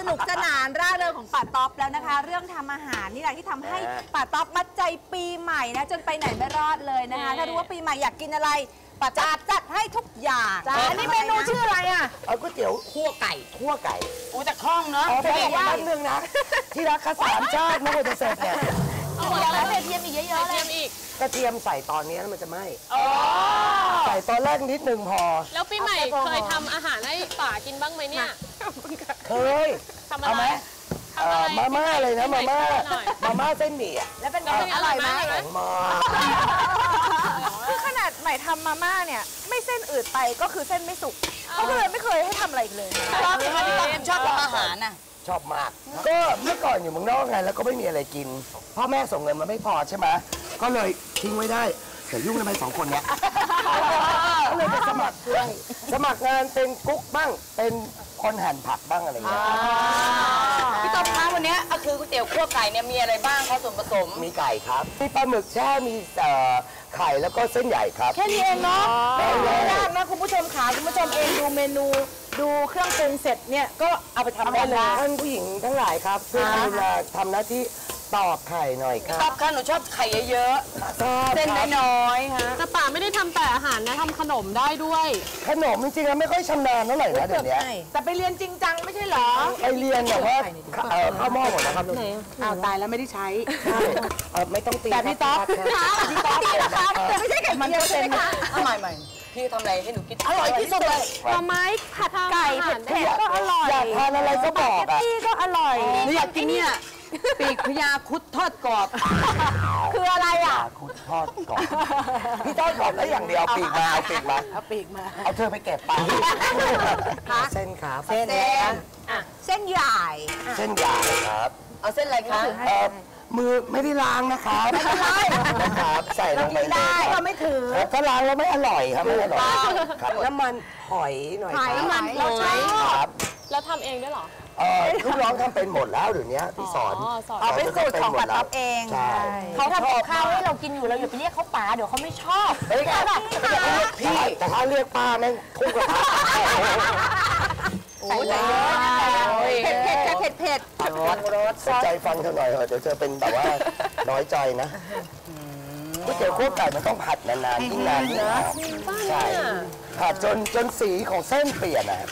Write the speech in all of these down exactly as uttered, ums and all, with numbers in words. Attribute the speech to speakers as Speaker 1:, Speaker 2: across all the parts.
Speaker 1: นุกสนานร่าเริงของป่าต๊อปแล้วนะคะเรื่องทำอาหารนี่แหละที่ทำให้ป่าต๊อปมัดใจปีใหม่นะจนไปไหนไม่รอดเลยนะคะถ้ารู้ว่าปีใหม่อยากกินอะไรป่าจัดจัดให้ทุกอย่างอันนี้เมนูชื่ออะไรอ่ะ
Speaker 2: เอาก๋วยเตี๋ยวคั่วไก่คั่วไก่
Speaker 3: อู้แต่คล่องเนาะ
Speaker 2: แต่ว่าแป๊บนึงนะที่รักข้าสามชาติไม่ควรจะเสร็จเนี่ย
Speaker 1: แล้วกระเทียมอีกเยอะๆเลย
Speaker 2: กระเทียมใส่ตอนนี้แล้วมันจะไหม้ใส่ตอนแรกนิดนึงพอ
Speaker 4: แล้วปีใหม่เคยทำอาหารให้ป่ากินบ้างไหมเนี่ย
Speaker 2: เคยทำอะไรมาม่าเลยนะมาม่ามาม่าเส้นหมี่อ่ะ
Speaker 1: แล้วเป็นไงอร่อยไหม
Speaker 5: คือขนาดใหม่ทำมาม่าเนี่ยไม่เส้นอืดไปก็คือเส้นไม่สุกเขาก็เลยไม่เคยให้ทำอะไรอีกเลย
Speaker 3: ชอบไหมพี่ต๊อบชอบทำอาหารน่ะ
Speaker 2: ชอบมากก็เมื่อก่อนอยู่เมืองนอกไงแล้วก็ไม่มีอะไรกินพ่อแม่ส่งเงินมาไม่พอใช่ไหมก็เลยทิ้งไว้ได้เดี๋ยวยุ่งทำไมสองคนเนี้ยก็เลยไปสมัครเพื่อนสมัครงานเป็นกุ๊กบ้างเป็นคนหั่นผักบ้างอะไรเงี้ย
Speaker 3: พี่ต๊อบคะวันนี้ก็คือก๋วยเตี๋ยวคั่วไก่เนี่ยมีอะไรบ้างคะส่วนผสม
Speaker 2: มีไก่ครับมีปลาหมึกแช่มีไข่แล้วก็เส้นใหญ่ครับ
Speaker 5: แค่นี้เองเนาะไม่ยากนะคุณผู้ชมขาคุณผู้ชมเองดูเมนูดูเครื่องปรุงเสร็จเนี่ยก็เอาไปทำได้เลย
Speaker 2: ท่านผู้หญิงทั้งหลายครับเพื่อดูแลทำหน้าที่ตอกไข่หน่อยครับ
Speaker 3: ต๊อบค่ะหนูชอบไข่เยอะๆเส้นน้อยๆฮะ
Speaker 4: แต่ป่าไม่ได้ทำแต่อาหารนะทำขนมได้ด้วย
Speaker 2: ขนมจริงๆแล้วไม่ค่อยชำนาญเท่าไหร่นะเดี๋ยวนี้
Speaker 5: แต่ไปเรียนจริงจังไม่ใช่เหรอ
Speaker 2: ไปเรียนแบบว่าข้าวหม้อหมดนะครับ
Speaker 5: อ้าวตายแล้วไม่ได้ใช้
Speaker 2: ไม่ต้องตี
Speaker 5: แต่พี่ต๊อบพี่ต๊อบแต่ไม่ใช่ไก่มันเต็มนะ
Speaker 3: เอาใหม่ๆพี่ทำอะไรให้หนูกิน
Speaker 5: อร่อยที่สุดเลยหน่อไม้ผัดไก่เผ็ดๆก็อร่อย
Speaker 2: อยากทานอะไรก็บอกอ่ะ
Speaker 5: พี่ก็อร่อย
Speaker 3: หนูอยากกินเนี่ยปีกพญาคุดทอดกรอบ
Speaker 5: คืออะไรอ่ะ
Speaker 2: คุดทอดกรอบพี่ทอดกรอบแล้วอย่างเดียวปีกมาเอาปีกมา
Speaker 5: เอาปีกมา
Speaker 2: เอาเธอไปเก็บไปเส้นครับ
Speaker 1: เส้นเส้นใหญ่
Speaker 2: เส้นใหญ่ครับ
Speaker 3: เอาเส้นอะไรคะ
Speaker 2: มือไม่ได้ล้างนะคะไม่เป็นไรนะครับใส่ลงไปเลย
Speaker 5: เราไม่ถือ
Speaker 2: ถ้าล้างแล้วไม่อร่อยครับไม่อร่อยครับน้ำมันหอยหน่อย
Speaker 4: น้ำมันหอย
Speaker 2: ครับ
Speaker 4: แล้วทำเองด้วยหรอ
Speaker 2: เออลูกน้องทำเป็นหมดแล้วเดี๋ยวนี้พี่สอน
Speaker 1: เอาเป็นสูตรของป่าต๊อบเอง
Speaker 5: เขาทำกับข้าวให้เรากินอยู่เราอย่าไปเรียกเขาป๋าเดี๋ยวเขาไม่ชอบ
Speaker 2: เฮ้ยพี่แต่ถ้าเรียกป้าแม่งทุ่งกระทะ
Speaker 1: โอ้ยเผ็ดเผ็ดเผ็ดเผ็ด
Speaker 2: รสรสใจฟังเธอหน่อยเถอะเดี๋ยวเธอเป็นแบบว่าน้อยใจนะก๋วยเตี๋ยวคั่วไก่มันต้องผัดนานๆยิ่งนานยิ่งหอมใช่ผัดจนจนสีของเส้นเปลี่ยนนะครับ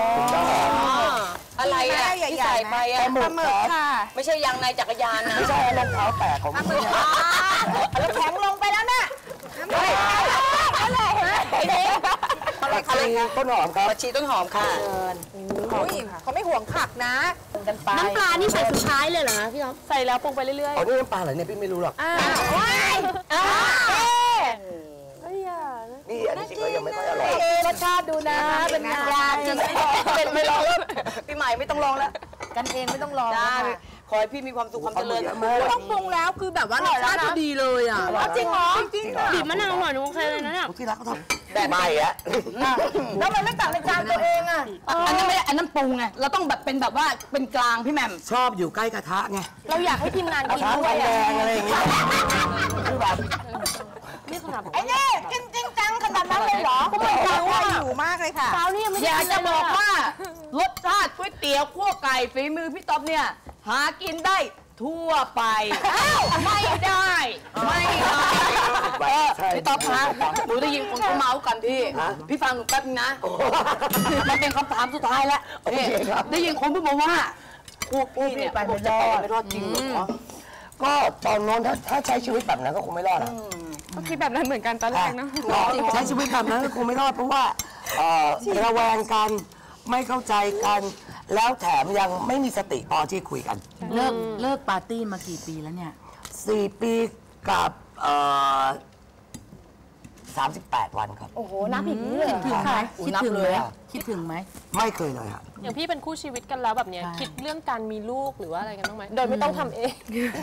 Speaker 3: อะไรอ่ะที่ใส่ไปอ่ะ
Speaker 2: ปลาหมึก
Speaker 5: ค่ะ
Speaker 3: ไม่ใช่ยางในจักรยานนะ
Speaker 2: ไม่ใช่รองเท้าแตกของพี่
Speaker 1: แล้วแข็งลงไปแล้วน่ะ
Speaker 3: อะไรไอ้เด็ก
Speaker 2: ผักชีต้นหอมครับ
Speaker 3: ผักชีต้นหอมค่ะ
Speaker 1: เขาไม่ห่วงผักนะ
Speaker 4: น้ำปลานี่ใส่สุดท้ายเลยเหรอพี่ท็อปใส่แล้วปรุงไปเรื่อยๆ
Speaker 2: อ๋อนี่น้ำปลาเหรอเนี่ยพี่ไม่รู้หรอกนี่อันนี้จริงๆยังไม่ค่อยอร่อย
Speaker 5: รสชาติดูนะเป็นงาน
Speaker 3: จริงเป็นไม่ลองแล้วพี่ใหม่ไม่ต้องลองแล้ว
Speaker 5: กันเองไม่ต้องลอง
Speaker 3: ขอให้พี่มีความสุขความเจริญ
Speaker 1: ต้องปรุงแล้วคือแบบว่ารสชาติดีเลยอ่ะ
Speaker 5: จริงเหรอจริง
Speaker 4: บีบมะนาวหน่อยนึงโอเคเลยนะเนี่ย
Speaker 2: ที่รักเขาทำแบบใหม่อะ
Speaker 5: แล้วมันไม่ตักในจานตัวเองอ่ะ
Speaker 3: อันนั้นไม่อันนั้นปรุงไงเราต้องแบบเป็นแบบว่าเป็นกลางพี่แหม่ม
Speaker 2: ชอบอยู่ใกล้กระทะไง
Speaker 5: เราอยากให้ทีมงานกินด้วย
Speaker 2: แดงอะไรอย่างเงี้ยคือแบบ
Speaker 5: นี่ขนาดไอ้นี่จริงจริงจังขนาดนั้นเลยเหรอ
Speaker 1: ก็ไม่รู้ว่าหิวมากเลยค่ะ
Speaker 5: เช้านี่ไม่
Speaker 3: อยากจะบอกว่ารสชาติก๋วยเตี๋ยวคั่วไก่ฝีมือพี่ต๊อบเนี่ยหากินได้ทั่วไปไม่ได้ไม่ได้พี่ต๊อบคะหนูได้ยินคนเขาเมาส์กันพี่พี่ฟังหนูแป๊บนึงนะมันเป็นคำถามสุดท้ายแล้วได้ยินคนพูดมาว่าพวกพี่เนี่ยไปไม่รอดไม่รอดจริงเหรอ
Speaker 2: ก็ตอนนั้นถ้าถ้าใช้ชีวิตแบบนั้นก็คงไม่รอดอ่ะ
Speaker 4: ก็คิดแบบนั้นเหมือนกันตอนแรกเนาะ
Speaker 2: ใช้ชีวิตแบบนั้นก็คงไม่รอดเพราะว่าระแวงกันไม่เข้าใจกันแล้วแถมยังไม่มีสติพอที่คุยกัน
Speaker 5: เลิกเลิกปาร์ตี้มากี่ปีแล้วเนี่ย
Speaker 2: สี่ปีกับสามสิบแปดวันครับ
Speaker 5: โอ้โหนับอีกนี่เลยคิดถึงไหมคิดถึงไหมคิดถึงไหม
Speaker 2: ไม่เคยเลยครับ
Speaker 4: อย่างพี่เป็นคู่ชีวิตกันแล้วแบบเนี้ยคิดเรื่องการมีลูกหรือว่าอะไรกันบ้างไหมโดยไม่ต้องทำเอง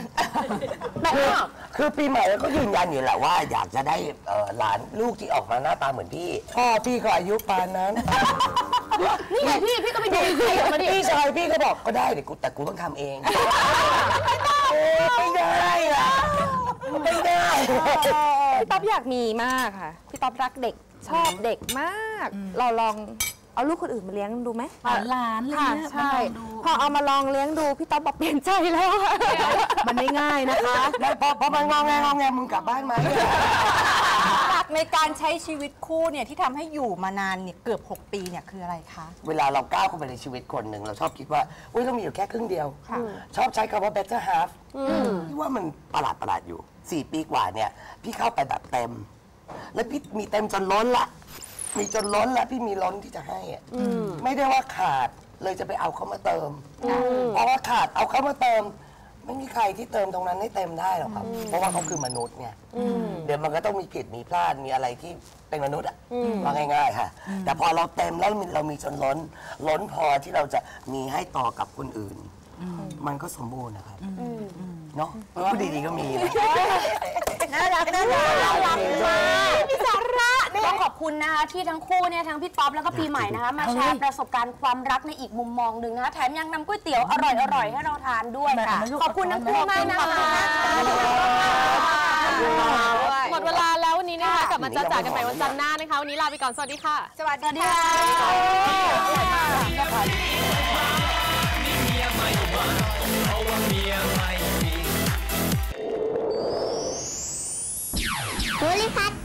Speaker 2: คือปีใหม่ก็ยืนยันอยู่แหละว่าอยากจะได้หลานลูกที่ออกมาหน้าตาเหมือนพี่พ่อพี่ก็อายุปานนั้น
Speaker 5: นี่ไงพี่พี่ก็ไปดูใครมาดิ
Speaker 2: พี่ชายพี่ก็บอกก็ได้แต่กูแต่กูต้องทำเองไม่ได้อะไม่ได้
Speaker 1: พี่ต๊อบอยากมีมากค่ะพี่ต๊อบรักเด็กชอบเด็กมากเราลองเอาลูกคนอื่นมาเลี้ยงดูไหม
Speaker 5: หลานอะไร
Speaker 1: ค่ะ
Speaker 5: เงี้ย
Speaker 1: ใช่พอเอามาลองเลี้ยงดูพี่ต๊อบบอกเปลี่ยนใจแล้ว
Speaker 5: มันไม่ง่ายนะคะ
Speaker 2: แล้วพอพอมันงอแงงอแงมึงกลับบ้านไหม
Speaker 1: หลักในการใช้ชีวิตคู่เนี่ยที่ทำให้อยู่มานานเนี่ยเกือบหกปีเนี่ยคืออะไรคะ
Speaker 2: เวลาเราก้าวเข้าไปในชีวิตคนหนึ่งเราชอบคิดว่าอุ้ยเรามีอยู่แค่ครึ่งเดียว ชอบใช้คำว่า better half ที่ว่ามันประหลาดประหลาดอยู่สี่ปีกว่าเนี่ยพี่เข้าไปแบบเต็ม แล้วพี่มีเต็มจนล้นละมีจนล้นแล้วพี่มีล้นที่จะให้อะไม่ได้ว่าขาดเลยจะไปเอาเขามาเติมเพราะว่าขาดเอาเขามาเติม ไม่มีใครที่เติมตรงนั้นให้เต็มได้หรอกครับ เพราะว่าเขาคือมนุษย์ไงเดี๋ยวมันก็ต้องมีผิดมีพลาดมีอะไรที่เป็นมนุษย์อ่ะว่าง่ายๆค่ะ แต่พอเราเต็มแล้วเรามีจนล้น ล้นพอที่เราจะมีให้ต่อกับคนอื่น มันก็สมบูรณ์นะครับเนาะพูดดีๆก็มีนะ
Speaker 1: น่ารักน่ารักน่ารักมากมีสาระเนี่ย
Speaker 6: ต้องขอบคุณนะคะที่ทั้งคู่เนี่ยทั้งพี่ต๊อบแล้วก็ปีใหม่นะคะมาแชร์ประสบการณ์ความรักในอีกมุมมองหนึ่งนะคะแถมยังนำก๋วยเตี๋ยวอร่อยๆให้เราทานด้วยค่ะขอบคุณทั้งคู่มากนะคะ
Speaker 4: หมดเวลาแล้ววันนี้นะคะกลับมาจ้าจ๋ากันใหม่วันจันทร์หน้านะคะวันนี้ลาไปก่อนสวัสดีค่ะ
Speaker 1: สวัสดีค่ะ
Speaker 7: ภูริพัฒน์